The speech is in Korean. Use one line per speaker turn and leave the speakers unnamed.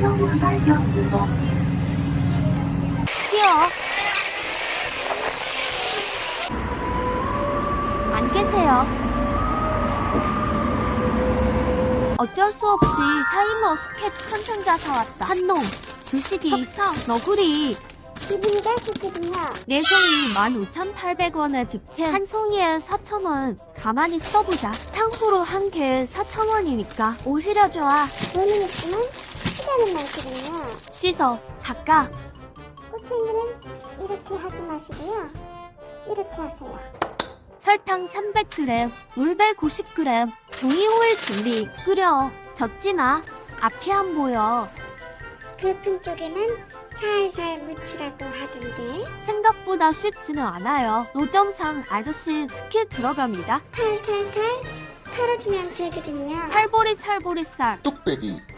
뛰어. 안 계세요. 어쩔 수 없이 샤인머스켓 천상자 사왔다. 한놈, 두식이, 석상, 너구리.
기분이가 좋거든요.
4송이 15,800원에 득템, 한 송이에 4,000원. 가만히 써보자. 탕후루 한 개에 4,000원이니까 오히려 좋아.
돈은 있지만 시간은 많거든요.
씻어, 닦아.
꼬챙이는 이렇게 하지 마시고요. 이렇게 하세요.
설탕 300g, 물 190g, 종이 호일 준비. 끓여. 젓지 마. 앞이 안 보여.
그 품 쪽에만 살살 묻히라고 하던데.
생각보다 쉽지는 않아요. 노점상 아저씨 스킬 들어갑니다.
탈탈탈 털어주면 되거든요.
살보리 살.
뚝배기